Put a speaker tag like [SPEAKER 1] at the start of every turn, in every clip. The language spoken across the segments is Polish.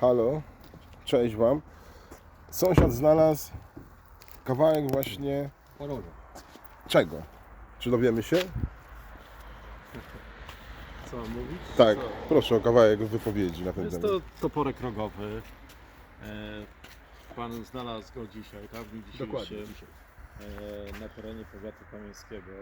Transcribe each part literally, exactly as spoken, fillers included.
[SPEAKER 1] Halo, cześć Wam. Sąsiad znalazł kawałek właśnie
[SPEAKER 2] Poroże.
[SPEAKER 1] czego? Czy dowiemy się?
[SPEAKER 2] Co mam mówić?
[SPEAKER 1] Tak,
[SPEAKER 2] Co?
[SPEAKER 1] proszę o kawałek wypowiedzi na ten
[SPEAKER 2] Jest
[SPEAKER 1] temat.
[SPEAKER 2] to toporek rogowy. E, pan znalazł go dzisiaj, tak? W dniu dzisiejszym.
[SPEAKER 3] Dokładnie.
[SPEAKER 2] E, na terenie powiatu kamieńskiego.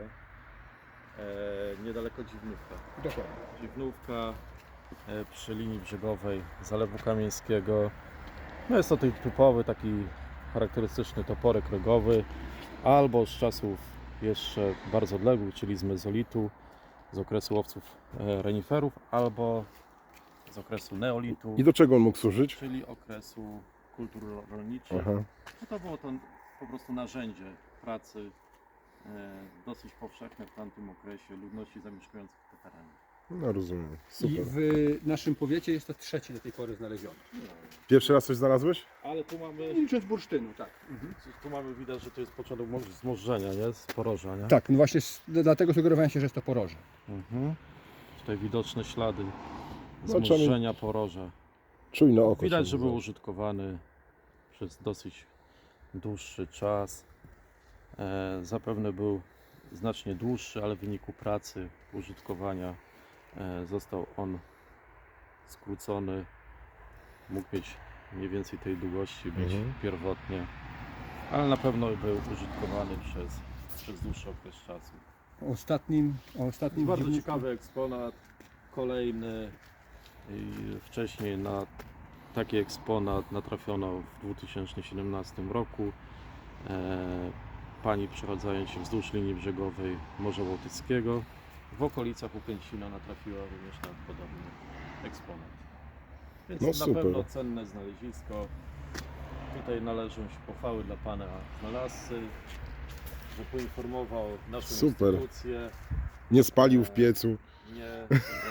[SPEAKER 2] E, niedaleko Dziwnówka.
[SPEAKER 3] Dokładnie.
[SPEAKER 2] Dziwnówka e, przy linii brzegowej Zalewu Kamieńskiego. No jest to ten typowy, taki charakterystyczny toporek rogowy, albo z czasów jeszcze bardzo odległych, czyli z mezolitu, z okresu łowców e, reniferów, albo z okresu neolitu,
[SPEAKER 1] I do czego on mógł służyć?
[SPEAKER 2] czyli okresu kultur ro- rolniczych.
[SPEAKER 1] Aha.
[SPEAKER 2] No to było to po prostu narzędzie pracy e, dosyć powszechne w tamtym okresie ludności zamieszkujących te tereny.
[SPEAKER 1] No rozumiem,
[SPEAKER 3] I
[SPEAKER 1] super.
[SPEAKER 3] w naszym powiecie jest to trzeci do tej pory znaleziony.
[SPEAKER 1] Pierwszy raz coś znalazłeś?
[SPEAKER 2] Ale tu mamy,
[SPEAKER 3] I z bursztynu, tak.
[SPEAKER 2] tu mamy widać, że to jest początek mo- zmożdżenia, nie? Z poroża, nie?
[SPEAKER 3] Tak, no właśnie s- dlatego sugerowałem się, że jest to poroże.
[SPEAKER 2] Mhm. Tutaj widoczne ślady
[SPEAKER 1] No,
[SPEAKER 2] zmożdżenia poroża.
[SPEAKER 1] Czujne oko.
[SPEAKER 2] Widać,
[SPEAKER 1] się
[SPEAKER 2] że był
[SPEAKER 1] nazywa.
[SPEAKER 2] użytkowany przez dosyć dłuższy czas. E, zapewne był znacznie dłuższy, ale w wyniku pracy, użytkowania e, został on skrócony. Mógł mieć mniej więcej tej długości być
[SPEAKER 1] Mhm.
[SPEAKER 2] pierwotnie, ale na pewno był użytkowany przez, przez dłuższy okres czasu.
[SPEAKER 3] O ostatnim, o ostatnim
[SPEAKER 2] Bardzo
[SPEAKER 3] dziwnym-
[SPEAKER 2] ciekawy eksponat, kolejny. I wcześniej na taki eksponat natrafiono w dwa tysiące siedemnastym roku. E, pani przechadzając się wzdłuż linii brzegowej Morza Bałtyckiego w okolicach Ukęcina natrafiła również na podobny eksponat. Więc
[SPEAKER 1] No
[SPEAKER 2] na
[SPEAKER 1] super.
[SPEAKER 2] pewno cenne znalezisko. Tutaj należą się pochwały dla pana znalazcy, że poinformował naszą
[SPEAKER 1] Super.
[SPEAKER 2] instytucję.
[SPEAKER 1] Nie spalił w piecu.
[SPEAKER 2] Nie, e,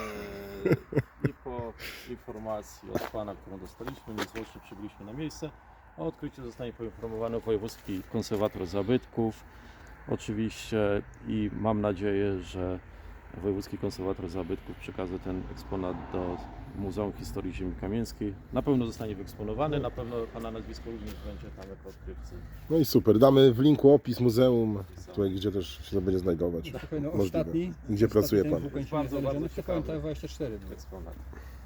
[SPEAKER 2] i po informacji od pana, którą dostaliśmy, niezwłocznie przybyliśmy na miejsce. O odkryciu zostanie poinformowany wojewódzki konserwator zabytków oczywiście i mam nadzieję, że wojewódzki konserwator zabytków przekaże ten eksponat do Muzeum Historii Ziemi Kamieńskiej. Na pewno zostanie wyeksponowany, na pewno pana nazwisko również będzie tam jako odkrywcy.
[SPEAKER 1] No i super. Damy w linku opis muzeum, tutaj gdzie też się to będzie znajdować.
[SPEAKER 3] Tak, no,
[SPEAKER 1] Możliwe.
[SPEAKER 3] ostatni.
[SPEAKER 1] Gdzie
[SPEAKER 3] ostatni
[SPEAKER 1] pracuje
[SPEAKER 3] ten
[SPEAKER 1] pan?
[SPEAKER 3] w Ukończynie
[SPEAKER 2] Bardzo,
[SPEAKER 3] znaleziony
[SPEAKER 2] bardzo
[SPEAKER 3] w T V N
[SPEAKER 2] ciekawy.
[SPEAKER 3] dwadzieścia cztery był.
[SPEAKER 2] Eksponat.